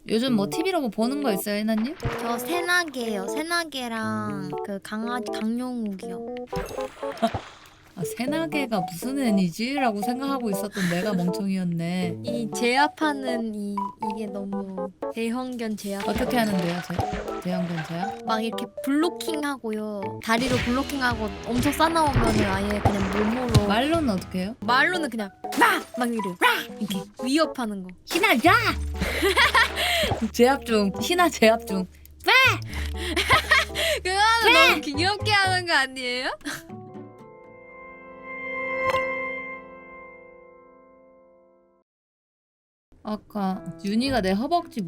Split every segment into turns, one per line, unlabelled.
요즘 뭐 TV로 뭐 보는 거 있어요, 해나님?
저 새나개요. 새나개랑 그 강아지 강룡욱이요.
아, 새나개가 무슨 애니지? 라고 생각하고 있었던 내가 멍청이였네.
이 제압하는 이게 너무 대형견 제압.
어떻게 하는데요, 대형견 제압?
막 이렇게 블로킹하고요. 다리로 블로킹하고 엄청 싸나오면은 아예 그냥 몸으로.
말로는 어떻게 해요?
말로는 그냥 막 이래. 이렇게 위협하는 거.
희나, 야! 제압 중, 희나 제압 중.
그거는 너무 귀엽게 하는 거 아니에요?
아까 윤희가 내 허벅지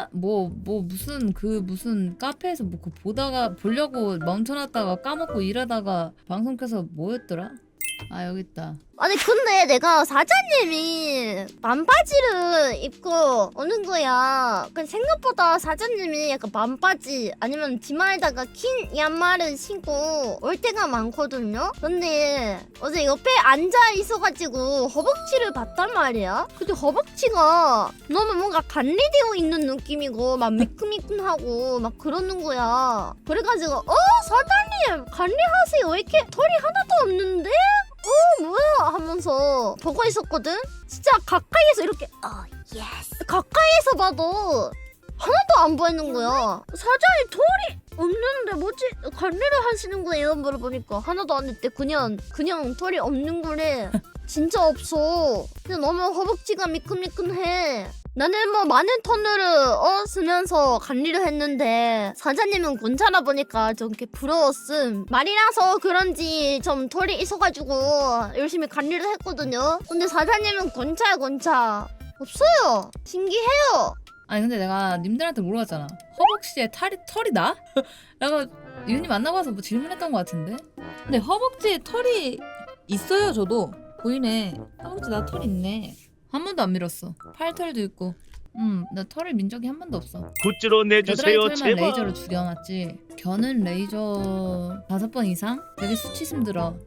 무슨 카페에서 뭐 그거 보려고 멈춰놨다가 까먹고 이러다가 방송 켜서 뭐였더라? 아, 여기 있다.
아니 근데 내가 사장님이 반바지를 입고 오는 거야. 그 생각보다 사장님이 약간 반바지 아니면 치마에다가 긴 양말을 신고 올 때가 많거든요. 근데 어제 옆에 앉아 있어가지고 허벅지를 봤단 말이야. 근데 허벅지가 너무 뭔가 관리되어 있는 느낌이고 막 미끈미끈하고 막 그러는 거야. 그래가지고 사장님 관리하세요. 왜 이렇게 털이 하나도 없는데? 뭐야 하면서 보고 있었거든. 진짜 가까이에서 이렇게 예스 가까이에서 봐도 하나도 안 보이는 거야. 사장님 털이 없는데 뭐지 관리를 하시는 거예요? 물어보니까 하나도 안 했대. 그냥 털이 없는 거래. 진짜 없어. 근데 너무 허벅지가 미끈미끈해. 나는 뭐 많은 톤을 쓰면서 관리를 했는데 사장님은 괜찮아 보니까 좀 이렇게 부러웠음. 말이라서 그런지 좀 털이 있어가지고 열심히 관리를 했거든요. 근데 사장님은 괜찮아 없어요. 신기해요.
아니 근데 내가 님들한테 물어봤잖아. 허벅지에 털이 나? 내가 윤희 만나고 와서 뭐 질문했던 것 같은데. 근데 허벅지에 털이 있어요. 저도 보이네. 허벅지 나 털 있네. 한 번도 안 밀었어. 팔털도 있고. 나 털을 민 적이 한 번도 없어.
굿즈로 내주세요
겨드랑이 털만
제발.
레이저로 죽여놨지. 겨는 레이저 5번 이상? 되게 수치심 들어.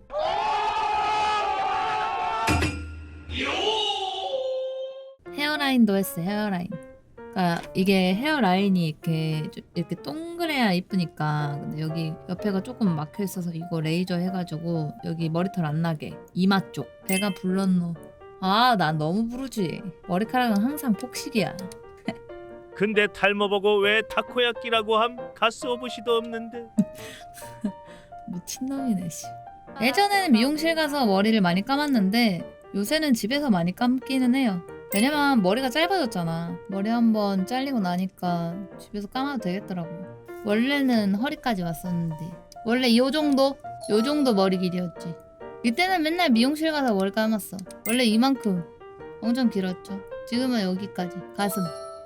헤어라인도 했어. 헤어라인. 그러니까 이게 헤어라인이 이렇게 동그래야 이쁘니까. 근데 여기 옆에가 조금 막혀 있어서 이거 레이저 해가지고 여기 머리털 안 나게. 이마 쪽. 배가 불렀노. 아, 난 너무 부르지. 머리카락은 항상 폭식이야.
근데 탈모보고 왜 타코야끼라고 함? 가스오브시도 없는데.
미친놈이네 씨. 예전에는 미용실 가서 머리를 많이 감았는데 요새는 집에서 많이 감기는 해요. 왜냐면 머리가 짧아졌잖아. 머리 한번 잘리고 나니까 집에서 감아도 되겠더라고. 원래는 허리까지 왔었는데 원래 요 정도 머리 길이였지. 이때는 맨날 미용실 가서 머리 감았어. 원래 이만큼 엄청 길었죠. 지금은 여기까지 가슴.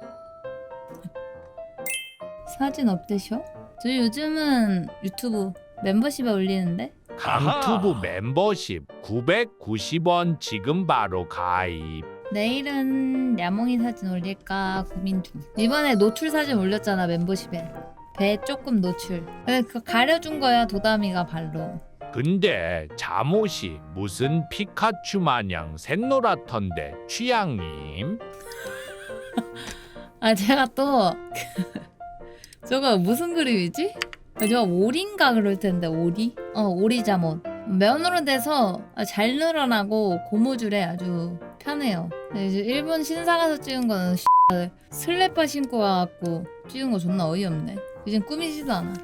사진 업데이션? 저 요즘은 유튜브 멤버십에 올리는데
강투부 멤버십 990원 지금 바로 가입.
내일은 야몽이 사진 올릴까 고민 중. 이번에 노출 사진 올렸잖아 멤버십에. 배 조금 노출. 근데 그거 가려준 거야 도담이가 발로.
근데 잠옷이 무슨 피카츄 마냥 샛노랗던데 취향님?
아 제가 또 저거 무슨 그림이지? 저거 오리인가 그럴 텐데 오리? 오리 잠옷. 면으로 돼서 잘 늘어나고 고무줄에 아주 편해요. 근데 이제 일본 신사 가서 찍은 거는 슬래퍼 신고 와갖고 찍은 거 존나 어이없네. 이젠 꾸미지도 않아.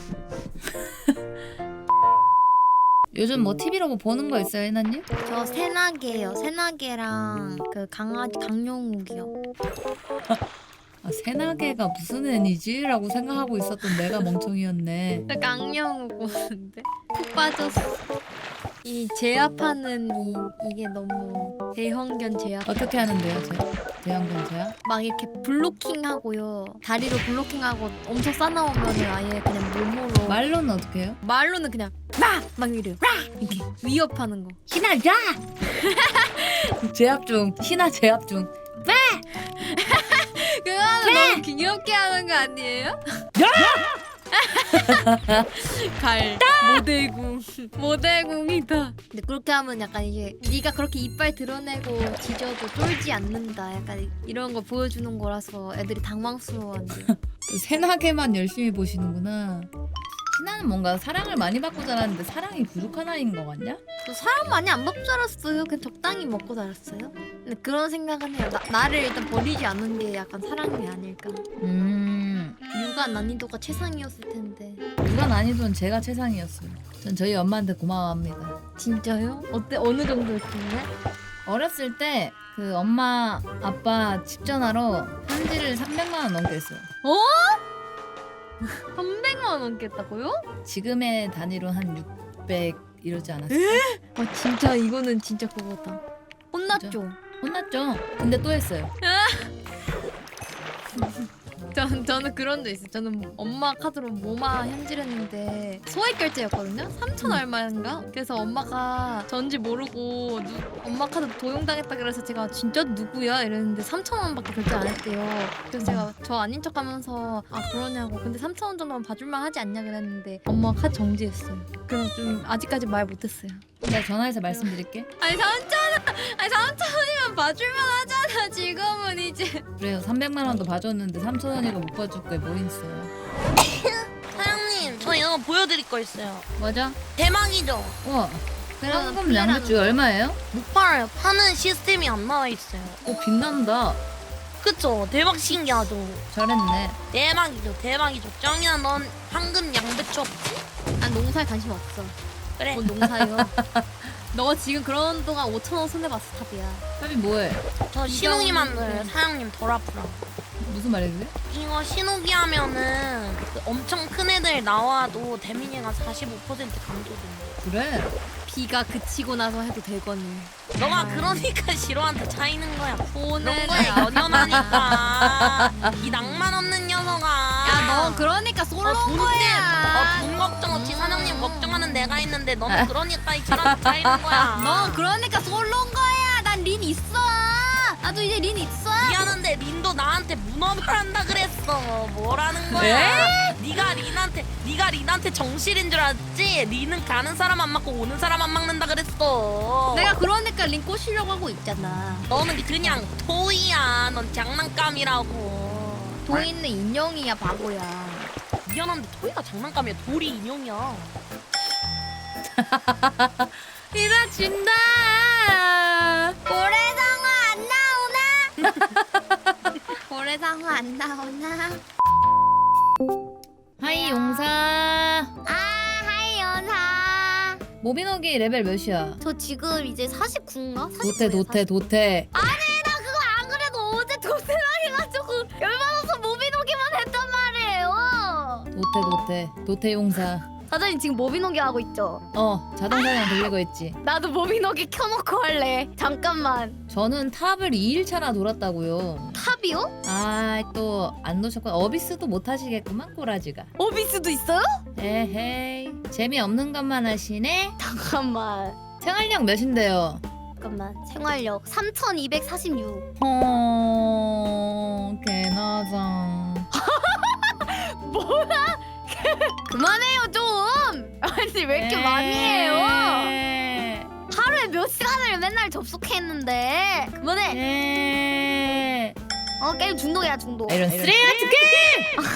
요즘 뭐 TV로 뭐 보는 거 있어요, 해나님?
저 새나개요. 새나개랑 그 강아지 강룡욱이요.
아, 새나개가 무슨 애니지? 라고 생각하고 있었던 내가 멍청이였네.
저 강룡욱 보는데 푹 빠졌어. 이 제압하는 이게 너무 대형견 제압.
어떻게 하는데요, 대형견 제압?
막 이렇게 블로킹하고요. 다리로 블로킹하고 엄청 싸나오면은 아예 그냥 몸으로.
말로는 어떻게 해요?
말로는 그냥 막 이래. 이렇게 위협하는 거.
희나, 야! 제압 중, 희나 제압 중.
그거는 너무 귀엽게 하는 거 아니에요? 갈 모대궁 모대궁이다. 근데 그렇게 하면 약간 이게 네가 그렇게 이빨 드러내고 뒤져도 쫄지 않는다. 약간 이런 거 보여주는 거라서 애들이 당황스러워한대.
새나게만 열심히 보시는구나. 신하는 뭔가 사랑을 많이 받고 자랐는데 사랑이 부족한 아이인 거 같냐?
저 사람 많이 안 먹고 자랐어요. 그냥 적당히 먹고 자랐어요. 근데 그런 생각은 해요. 나를 일단 버리지 않는 게 약간 사랑이 아닐까. 육아 난이도가 최상이었을 텐데.
누가 난이도는 제가 최상이었어요. 전 저희 엄마한테 고마워합니다.
진짜요? 어때? 어느 정도였길래?
어렸을 때 그 엄마 아빠 집 전화로 편지를 300만 원 넘게 했어요.
300만 원 넘겠다고요?
지금의 단위로 한 600 이러지 않았어요?
아 진짜 이거는 진짜 그거다. 혼났죠?
혼났죠? 근데 또 했어요.
저는 그런 적 있어요. 저는 엄마 카드로 모마 현질했는데 소액 결제였거든요. 3천 얼마인가? 그래서 엄마가 전지 모르고 엄마 카드 도용당했다 그래서 제가 진짜 누구야? 이랬는데 3천 원밖에 결제 안 했대요. 그래서 제가 저 아닌 척하면서 아 그러냐고. 근데 3천 원 정도면 봐줄만 하지 않냐 그랬는데 엄마 카드 정지했어요. 그래서 좀 아직까지 말 못했어요.
내가 전화해서 말씀드릴게.
아니 3천 원이면 봐줄만 하잖아. 지금은 이제.
그래요. 300만 원도 봐줬는데 3천 원이고 못 봐줄 거에 뭐 있어요.
사장님 저 이거 보여드릴 거 있어요.
맞아?
대망이죠?
우와.
그러면
현금
플레이라는
양배추 얼마예요?
못 팔아요. 파는 시스템이 안 나와 있어요.
빛난다.
그쵸? 대박 신기하죠?
잘했네.
대박이죠 대박이죠. 쩡이야 넌 황금 양배추 없지?
난 농사에 관심 없어.
그래.
뭔 농사요? 너 지금 그런 동안 5천 원 손해봤어 탑이야.
탑이 뭐해?
저 신호기 만들어요. 사장님 덜 아프라고.
무슨 말이지?
이거 신호기 하면은 그 엄청 큰 애들 나와도 데미지가 45% 감소된대.
그래.
비가 그치고 나서 해도 되거니.
너가 그러니까 시로한테 차이는 거야. 그런
손해.
거에 연연하니까. 이 낭만 없는 녀석아.
야너 그러니까 솔로인
돈
거야.
돈 걱정 없이 사장님 걱정하는 내가 있는데 너는 그러니까 이처럼 차이는 거야.
너 그러니까 솔로인 거야. 난 린 있어. 나도 이제 린 있어.
미안한데 린도 나한테 문업을 한다 그랬어. 뭐라는 거야? 네가 린한테 정실인 줄 알았지? 린은 가는 사람 안 맞고 오는 사람 안 막는다 그랬어.
내가 그러니까 린 꼬시려고 하고 있잖아.
너는 그냥 토이야. 넌 장난감이라고.
도인은 인형이야 바보야.
미안한데 토이가 장난감이야. 돌이 인형이야.
이라진다. 고래상어 안 나오나? 고래상어 안 나오나?
하이 용사.
하이 연하.
모비노기 레벨 몇이야?
저 지금 이제 49인가?
도태.
나 그거 안 그래도 어제 도태를 해가지고 열받아서 모비노기만 했단 말이에요.
도태 용사.
사장님 지금 모비노기 하고 있죠?
자동사냥 돌리고 있지.
나도 모비노기 켜놓고 할래. 잠깐만.
저는 탑을 2일차나 돌았다고요.
탑이요?
또 안 놓으셨고 어비스도 못 하시겠구만 꼬라지가.
오비스도 있어요?
에헤이 재미없는 것만 하시네.
잠깐만.
생활력 몇인데요?
잠깐만. 생활력 3246.
개나장.
그만해요 좀. 아니 왜 이렇게 많이 해요? 하루에 몇 시간을 맨날 접속했는데. 그만해. 게임 중독이야 중독.
이런 쓰레기 같은 게임!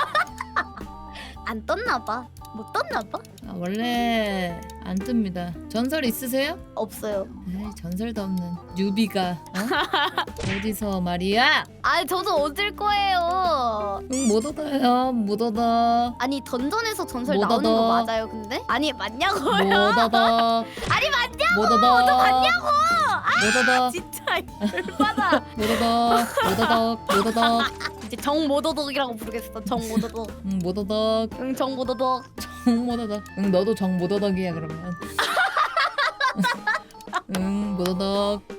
안 떴나봐. 못 떴나봐?
원래 안 뜹니다. 전설 있으세요?
없어요.
에이, 전설도 없는 뉴비가 어디서 말이야?
아니 저도 얻을 거예요.
못 얻어요. 못 얻어.
아니 던전에서 전설
못
나오는
얻어.
거 맞아요 근데? 아니 맞냐고요?
못 얻어.
아니 맞냐고!
못 얻어.
맞냐고!
못 얻어.
진짜 열받아.
못 얻어. 못 얻어.
이제 정모도덕이라고 부르겠어. 정모도덕.
못 얻어.
응 정모도덕.
못 얻어. 너도 못 얻어기야 그러면. 못 얻어.